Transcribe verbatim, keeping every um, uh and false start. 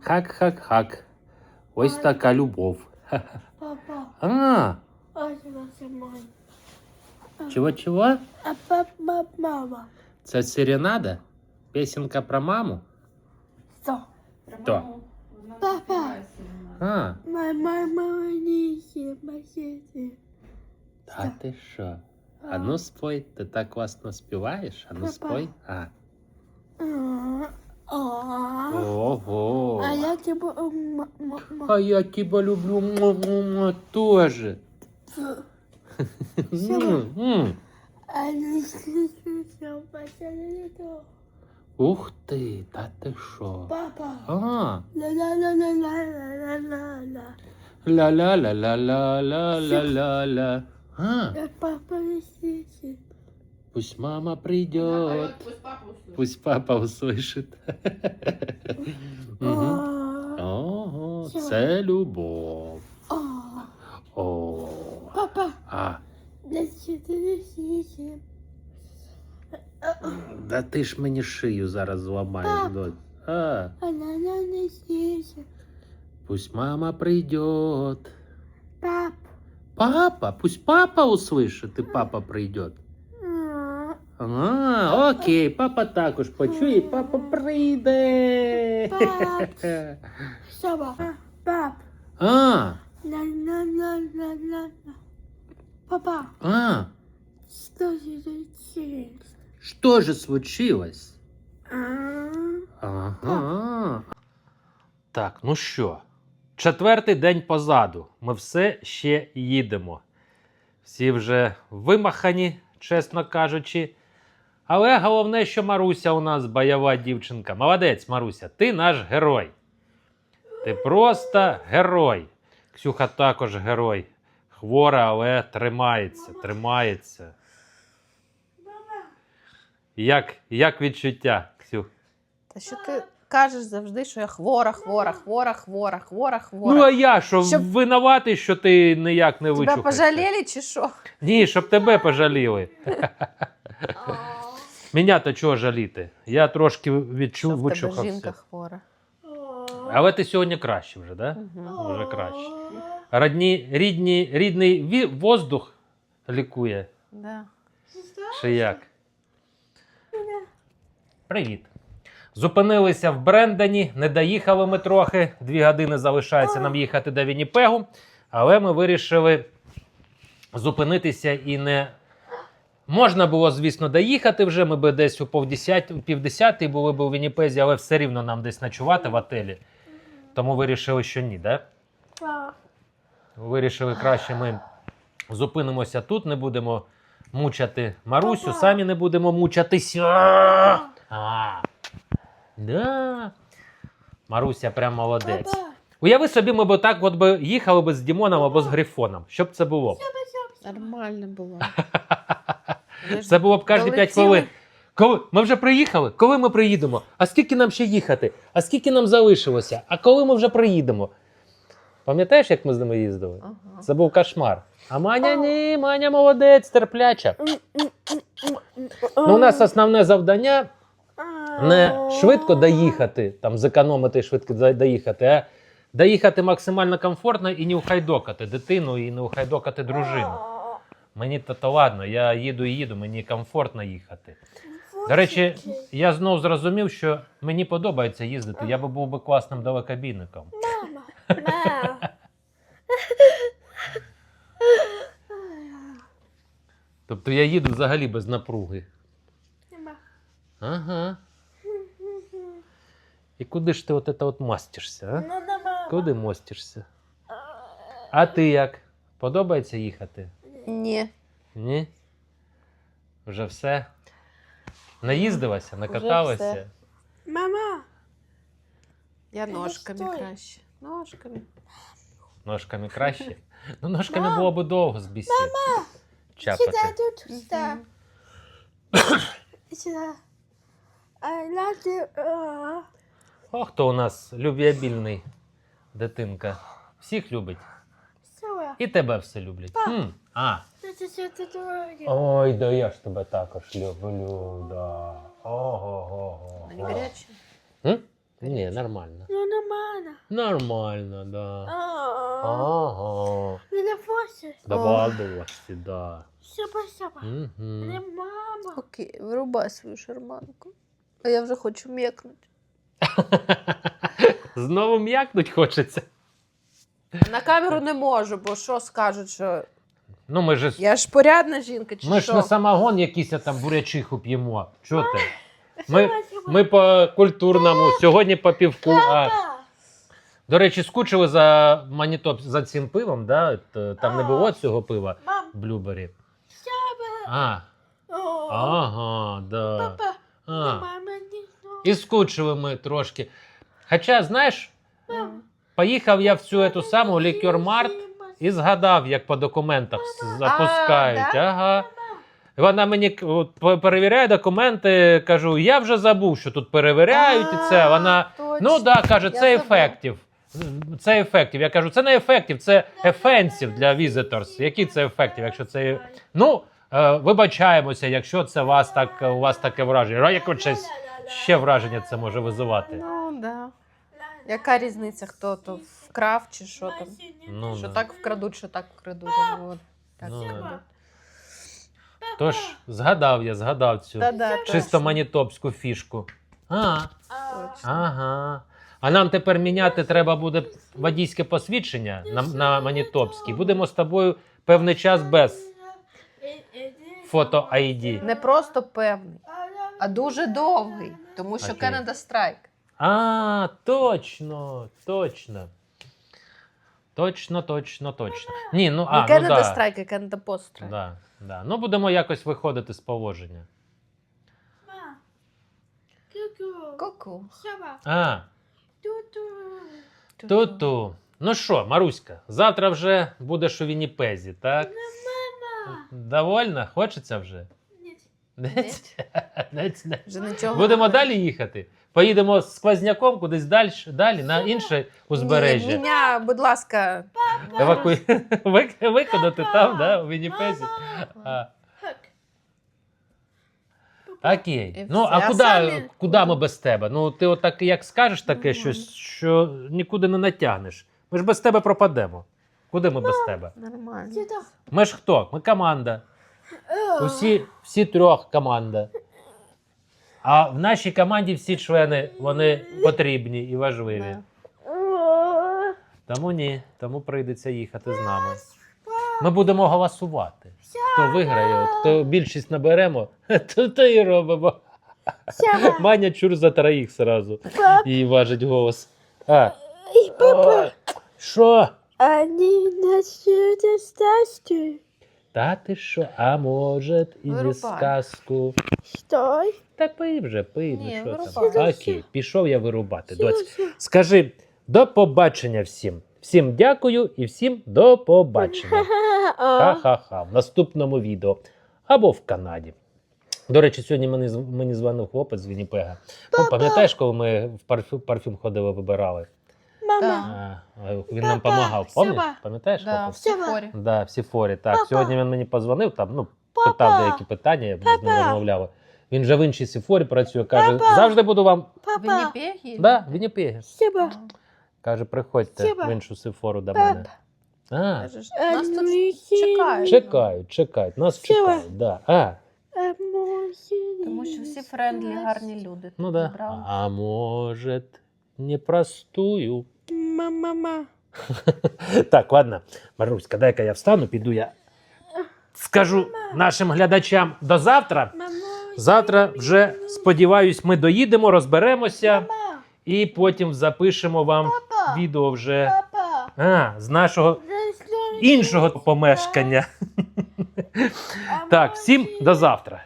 Хак-хак-хак. Ось така любов. Папа, А, а це мама. чого-чого? А папа, мама. Це серенада? Песенка про маму? Що? То. Папа. А, Моя мама не сімасіти. та ти що? А ну спой, ти так класно співаєш? А ну спой. А. Ого. А я тебе... м- м- м- А я тебя люблю м-м-м, тоже. М-м. А не слышно, пацаны, то. Ух ти, та ти що? Папа. А, Ла-ла-ла-ла-ла-ла-ла-ла. ля-ля-ля-ля-ля-ля-ля-ля. А, Я папа не слышит. пусть мама придет, пусть папа услышит. Мгм. Ого, це любов. О, О, папа, а, не слышит, не слышит. да ти ж мені шию зараз зламаєш, Пап. дочь. А, Она не слышит. пусть мама придет. Пап. Папа, пусть папа услышит, и папа придет. А, А, окей, папа також почує, і папа прийде. Пап. Сова. Пап. А, На-на-на-на-на-на. Папа, а, что же случилось? що же случилось? А, Ага. Так, ну що, четвертий день позаду. Ми все ще їдемо. Всі вже вимахані, чесно кажучи. Але головне, що Маруся у нас бойова дівчинка. Молодець, Маруся, ти наш герой. Ти просто герой. Ксюха також герой. Хвора, але тримається, тримається. Як, як відчуття, Ксюх? Та що ти кажеш завжди, що я хвора, хвора, хвора, хвора, хвора, хвора. Ну а я що, Щоб- винуватий, що ти ніяк не Тебе вичухався? пожаліли чи що? Ні, щоб тебе пожаліли. Мене то чого жаліти? Я трошки Що відчув, в тебе жінка вичухався. хвора. Але ти сьогодні краще вже, так? Угу. Да? Вже краще. Родні, рідні, рідний ві- воздух лікує. Да. Чи як? Привіт. Зупинилися в Брендані, не доїхали ми трохи. Дві години залишається нам їхати до Вінніпегу. Але ми вирішили зупинитися і не... Можна було, звісно, доїхати вже. Ми б десь у півдесятій були б у Вінніпезі, але все рівно нам десь ночувати в отелі. Тому вирішили, що ні, да? пап. Вирішили, краще ми зупинимося тут, не будемо мучати Марусю, самі не будемо мучатися. А, да. Маруся прям молодець. Папа. Уяви собі, ми б так от би їхали б з Дімоном або з Грифоном. Що б це було? Нормально було. Це було б кожні п'ять Долетіли. хвилин. Коли? Ми вже приїхали? Коли ми приїдемо? А скільки нам ще їхати? А скільки нам залишилося? А коли ми вже приїдемо? Пам'ятаєш, як ми з ними їздили? Ага. Це був кошмар. А Маня ні, Маня молодець, терпляча. Ну, у нас основне завдання не швидко доїхати, там зекономити швидко за- доїхати, а доїхати максимально комфортно і не ухайдокати дитину, і не ухайдокати дружину. Мені то, то ладно, я їду і їду, мені комфортно їхати. До речі, я знов зрозумів, що мені подобається їздити, я би був би класним далекобійником. Мама. Мама. Тобто я їду взагалі без напруги. Мама. Ага. І куди ж ти от це от мастишся, а? Ну, да, мама. Куди мостишся? А ти як? Подобається їхати? Ні. Ні? Вже все? Наїздилася, Вже накаталася? все. Мама. Я Та ножками стой. краще. Ножками. Ножками краще? Ну, ножками Мам. було б довго з бісід. Чапати. Сюда, тут, сюда. Мгм. Сюда. I love you. А. О, хто у нас любвеобільний дитинка. Всіх любить. Сова. І тебе все люблять. Пап. М, А. Це все це дорогі. Ой, да я ж тебе також люблю, да. Ого-го-го. Вони гарячі. М? Ні, нормально. Ну, нормально. Нормально, да. А, Ага. Не фоси. Давай, дошці, да. Сяба-сяба. Не Угу. мама. Окей, вирубай свою шарманку. А я вже хочу м'якнути. Знову м'якнуть хочеться. На камеру не можу, бо що скажуть, що Ну, ми ж, я ж порядна жінка, чи ми ж що? не самогон якийсь а там бурячиху п'ємо. Чого ти? Ми, Сяба-сяба. ми по культурному, сьогодні по півку. А, Папа. до речі, скучили за Манітоп, за цим пивом, да? Т- Там не було цього пива, Мам. блюбері. Сяба. А, О. ага, да. Папа. А. Мама не знала. І скучили ми трошки. Хоча, знаєш, М. поїхав я в цю ету саму лікер-март і згадав, як по документах с- запускають. А, да? Ага. І вона мені к- от, по- перевіряє документи, кажу, я вже забув, що тут перевіряють і це. Вона, Точно. ну так, да, каже, Я це забула. ефектів. Це ефектів. Я кажу, це не ефектів, це ефенсів для візиторс. Які це ефектів, якщо це... Ну, е, вибачаємося, якщо це вас так, у вас таке враження. А яке щось ще враження це може визивати? Ну, да. Яка різниця, хто то вкрав чи що там? Ну, Що да. так вкрадуть, що так вкрадуть. Ну, от так Ну, вкрадуть. да. Тож, згадав я, згадав цю Да-да, чисто точно. манітопську фішку. А, Точно. ага. А нам тепер міняти треба буде водійське посвідчення на, на манітопській. Будемо з тобою певний час без фото ай ді. Не просто певний, а дуже довгий, тому що Окей. Canada Strike. А, точно, точно. Точно, точно, точно. Ні, ну, а, Не ну Canada да. Strike, а Canada Post Strike. Да, да. Ну, будемо якось виходити з положення. Ма. Ку-ку. Ку-ку. Сяба. А, Ту-ту. ту-ту. Ну що, Маруська, завтра вже будеш у Вінніпезі, так? Мама. Довольна? Хочеться вже? Ні. Нець? Нець, нець. Вже нічого. Будемо далі їхати? Поїдемо з сквозняком кудись далі, далі на інше узбережжя. Ні, мене, будь ласка, Еваку... Вик- Виконати там, да, у Вінніпезі. А, окей. І Ну, все. а А куди, самі- куди ми без тебе? Ну, ти отак як скажеш таке Нормально. щось, що нікуди не натягнеш. Ми ж без тебе пропадемо. Куди ми без тебе? нормально. Сюди. Ми ж хто? Ми команда. Усі, всі трьох команда. А в нашій команді всі члени, вони потрібні і важливі. Да. О. Тому ні, тому прийдеться їхати з нами. Ми будемо голосувати. Хто виграє, от, хто більшість наберемо, то, то і робимо. Сяба. Маня чур за троїх сразу. Папа. Їй важить голос. А, І папа. о, що? Они насчет стасти. Та ти що? А може і не Вирубай. сказку. Стой. Та пий вже, пий, Ні, ну що вирубай. там. Окей, пішов я вирубати. Доць. Скажи до побачення всім. Всім дякую і всім до побачення. Ха-ха-ха. В наступному відео. Або в Канаді. До речі, сьогодні мені, з- мені дзвонив хлопець з Вінніпега. Ну, пам'ятаєш, коли ми в парфюм, парфюм ходили, вибирали? Мама. А, а, він нам Папа, допомагав. Пам'ятаєш? Сяба. Пам'ятаєш, Да, хлопець? всі Сяба. хворі. Да, всі форі. Так, Папа. сьогодні він мені позвонив, там, ну, Папа. питав деякі питання, я з ним Папа. розмовляли. Він вже в іншій сіфорі працює, каже, Папа. завжди буду вам. Папа. Вінніпегі? Да, в Вінніпегі. Сяба. Каже, приходьте Сяба. в іншу сифору до Папа. мене. А, Кажеш, Нас тут Ем, чекають. чекають, чекають, нас Сяба. чекають, да. А, Тому що всі френдлі, гарні люди. ну тут да. зібрали. А може, непростую. Мама. Так, ладно, Маруська, дай-ка я встану, піду я. Скажу нашим глядачам до завтра. Мама. Завтра вже, сподіваюсь, ми доїдемо, розберемося Мама. і потім запишемо вам Папа. відео вже Папа. а, з нашого іншого помешкання. Так, всім до завтра.